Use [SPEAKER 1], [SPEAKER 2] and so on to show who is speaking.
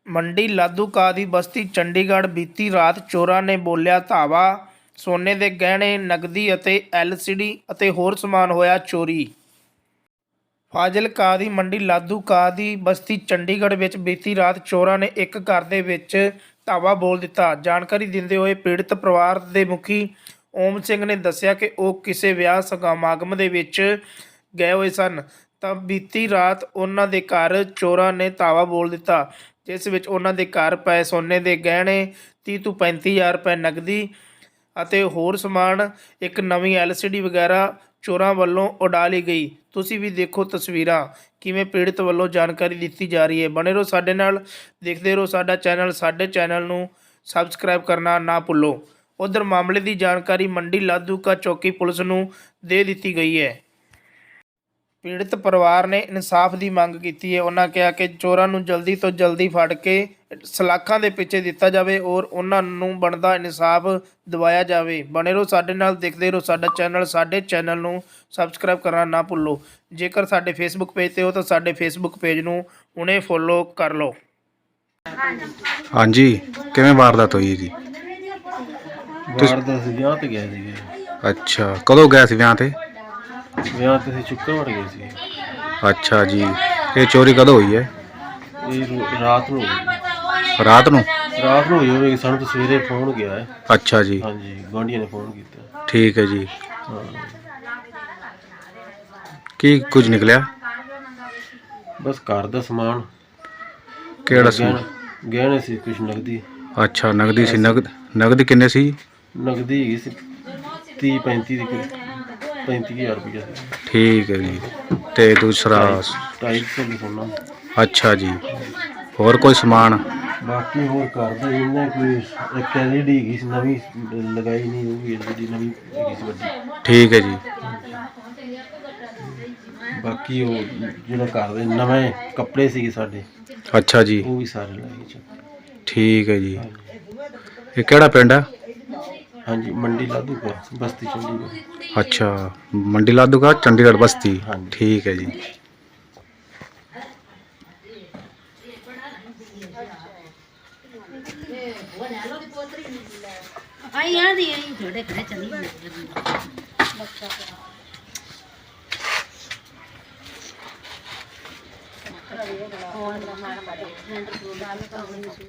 [SPEAKER 1] ਮੰਡੀ ਲਾਧੂਕਾ ਦੀ ਬਸਤੀ ਚੰਡੀਗੜ੍ਹ ਬੀਤੀ ਰਾਤ ਚੋਰਾਂ ਨੇ ਬੋਲਿਆ ਧਾਵਾ। ਸੋਨੇ ਦੇ ਗਹਿਣੇ, ਨਕਦੀ ਅਤੇ LCD ਅਤੇ ਹੋਰ ਸਮਾਨ ਹੋਇਆ ਚੋਰੀ। ਫਾਜ਼ਿਲਕਾ ਦੀ ਮੰਡੀ ਲਾਧੂਕਾ ਦੀ ਬਸਤੀ ਚੰਡੀਗੜ੍ਹ ਵਿੱਚ ਬੀਤੀ ਰਾਤ ਚੋਰਾਂ ਨੇ ਇੱਕ ਘਰ ਦੇ ਵਿੱਚ ਧਾਵਾ ਬੋਲ ਦਿੱਤਾ। ਜਾਣਕਾਰੀ ਦਿੰਦੇ ਹੋਏ ਪੀੜਤ ਪਰਿਵਾਰ ਦੇ ਮੁਖੀ ਓਮ ਸਿੰਘ ਨੇ ਦੱਸਿਆ ਕਿ ਉਹ ਕਿਸੇ ਵਿਆਹ ਸਮਾਗਮ ਦੇ ਵਿੱਚ ਗਏ ਹੋਏ ਸਨ ਤਾਂ ਬੀਤੀ ਰਾਤ ਉਹਨਾਂ ਦੇ ਘਰ ਚੋਰਾਂ ਨੇ ਧਾਵਾ ਬੋਲ ਦਿੱਤਾ, ਜਿਸ ਵਿੱਚ ਉਹਨਾਂ ਦੇ ਘਰ ਪਏ ਸੋਨੇ ਦੇ ਗਹਿਣੇ 30 ਤੋਂ 35 ਹਜ਼ਾਰ ਰੁਪਏ, ਨਕਦੀ ਅਤੇ ਹੋਰ ਸਮਾਨ, ਇੱਕ ਨਵੀਂ LCD ਵਗੈਰਾ ਚੋਰਾਂ ਵੱਲੋਂ ਉਡਾ ਲਈ ਗਈ। ਤੁਸੀਂ ਵੀ ਦੇਖੋ ਤਸਵੀਰਾਂ ਕਿਵੇਂ ਪੀੜਤ ਵੱਲੋਂ ਜਾਣਕਾਰੀ ਦਿੱਤੀ ਜਾ ਰਹੀ ਹੈ। ਬਣੇ ਰਹੋ ਸਾਡੇ ਨਾਲ, ਦੇਖਦੇ ਰਹੋ ਸਾਡਾ ਚੈਨਲ। ਸਾਡੇ ਚੈਨਲ ਨੂੰ ਸਬਸਕ੍ਰਾਈਬ ਕਰਨਾ ਨਾ ਭੁੱਲੋ। ਉਧਰ ਮਾਮਲੇ ਦੀ ਜਾਣਕਾਰੀ ਮੰਡੀ ਲਾਧੂਕਾ ਚੌਕੀ ਪੁਲਿਸ ਨੂੰ ਦੇ ਦਿੱਤੀ ਗਈ ਹੈ। ਪੀੜਤ ਪਰਿਵਾਰ ਨੇ ਇਨਸਾਫ ਦੀ ਮੰਗ ਕੀਤੀ ਹੈ। ਉਹਨਾਂ ਕਿਹਾ ਕਿ ਚੋਰਾਂ ਨੂੰ ਜਲਦੀ ਤੋਂ ਜਲਦੀ ਫੜ ਕੇ ਸਲਾਖਾਂ ਦੇ ਪਿੱਛੇ ਦਿੱਤਾ ਜਾਵੇ ਔਰ ਉਹਨਾਂ ਨੂੰ ਬਣਦਾ ਇਨਸਾਫ ਦਿਵਾਇਆ ਜਾਵੇ। ਬਣੇ ਰਹੋ ਸਾਡੇ ਨਾਲ, ਦੇਖਦੇ ਰਹੋ ਸਾਡਾ ਚੈਨਲ। ਸਾਡੇ ਚੈਨਲ ਨੂੰ ਸਬਸਕ੍ਰਾਈਬ ਕਰਨਾ ਨਾ ਭੁੱਲੋ। ਜੇਕਰ ਸਾਡੇ ਫੇਸਬੁੱਕ ਪੇਜ 'ਤੇ ਹੋ ਤਾਂ ਸਾਡੇ ਫੇਸਬੁੱਕ ਪੇਜ ਨੂੰ ਹੁਣੇ ਫੋਲੋ ਕਰ ਲਓ।
[SPEAKER 2] ਹਾਂਜੀ, ਕਿਵੇਂ ਵਾਰਦਾਤ ਹੋਈ ਜੀ?
[SPEAKER 3] ਵਾਰਦਾਤ ਵਿਆਹ ਤੇ ਗਏ ਸੀਗੇ।
[SPEAKER 2] ਅੱਛਾ, ਕਦੋਂ ਗਏ ਸੀ ਵਿਆਹ ਤੇ?
[SPEAKER 3] ਵਿਆਹ ਤੇ ਅਸੀਂ ਸ਼ੁੱਕਰਵਾਰ ਗਏ ਸੀ।
[SPEAKER 2] ਅੱਛਾ ਜੀ, ਇਹ ਚੋਰੀ ਕਦੋਂ ਹੋਈ ਹੈ?
[SPEAKER 3] ਇਹ ਰਾਤ ਨੂੰ ਹੋਈ।
[SPEAKER 2] ਰਾਤ ਨੂੰ
[SPEAKER 3] ਹੋਈ ਸਾਨੂੰ ਤਾਂ ਸਵੇਰੇ ਫੋਨ ਗਿਆ ਹੈ।
[SPEAKER 2] ਅੱਛਾ ਜੀ,
[SPEAKER 3] ਹਾਂਜੀ, ਗੁਆਂਢੀਆਂ ਨੇ ਫੋਨ ਕੀਤਾ।
[SPEAKER 2] ਠੀਕ ਹੈ ਜੀ।
[SPEAKER 3] ਹਾਂ,
[SPEAKER 2] ਕੀ ਕੁਝ ਨਿਕਲਿਆ?
[SPEAKER 3] ਬਸ ਘਰ ਦਾ ਸਮਾਨ।
[SPEAKER 2] ਕਿਹੜਾ ਸੀ?
[SPEAKER 3] ਗਹਿਣੇ ਸੀ, ਕੁਛ ਨਕਦੀ।
[SPEAKER 2] ਅੱਛਾ, ਨਗਦੀ ਸੀ। ਨਗਦੀ ਕਿੰਨੇ ਸੀ?
[SPEAKER 3] ਨਕਦੀ ਹੈਗੀ ਸੀ 35,000 ਰੁਪਇਆ ਸੀ।
[SPEAKER 2] ਠੀਕ ਹੈ ਜੀ। ਤੇ ਦੂਸਰਾ?
[SPEAKER 3] 250 ਸੋਨਾ।
[SPEAKER 2] ਅੱਛਾ ਜੀ, ਹੋਰ ਕੋਈ ਸਮਾਨ?
[SPEAKER 3] ਬਾਕੀ ਹੋਰ ਘਰ ਦਾ ਜਿੰਨਾ ਕੋਈ ਇੱਕ LED ਹੈਗੀ ਸੀ, ਨਵੀਂ ਲਗਾਈ ਨਹੀਂ, ਉਹ ਵੀ LED ਨਵੀਂ ਹੈਗੀ ਸੀ ਵੱਡੀ।
[SPEAKER 2] ਠੀਕ ਹੈ ਜੀ।
[SPEAKER 3] ਬਾਕੀ ਉਹ ਜਿਹੜਾ ਘਰ ਦੇ ਨਵੇਂ ਕੱਪੜੇ ਸੀਗੇ ਸਾਡੇ,
[SPEAKER 2] ਅੱਛਾ ਜੀ,
[SPEAKER 3] ਉਹ ਵੀ ਸਾਰੇ ਲੈ ਗਏ।
[SPEAKER 2] ਠੀਕ ਹੈ ਜੀ। ਇਹ ਕਿਹੜਾ ਪਿੰਡ ਹੈ?
[SPEAKER 3] ਹਾਂਜੀ, ਮੰਡੀ ਲਾਧੂਕਾ ਬਸਤੀ ਚੰਡੀਗੜ੍ਹ।
[SPEAKER 2] ਅੱਛਾ, ਮੰਡੀ ਲਾਧੂਕਾ ਚੰਡੀਗੜ੍ਹ ਬਸਤੀ।
[SPEAKER 3] ਹਾਂਜੀ।
[SPEAKER 2] ਠੀਕ ਹੈ ਜੀ।
[SPEAKER 4] आई याद ही आई थोड़े घरे चली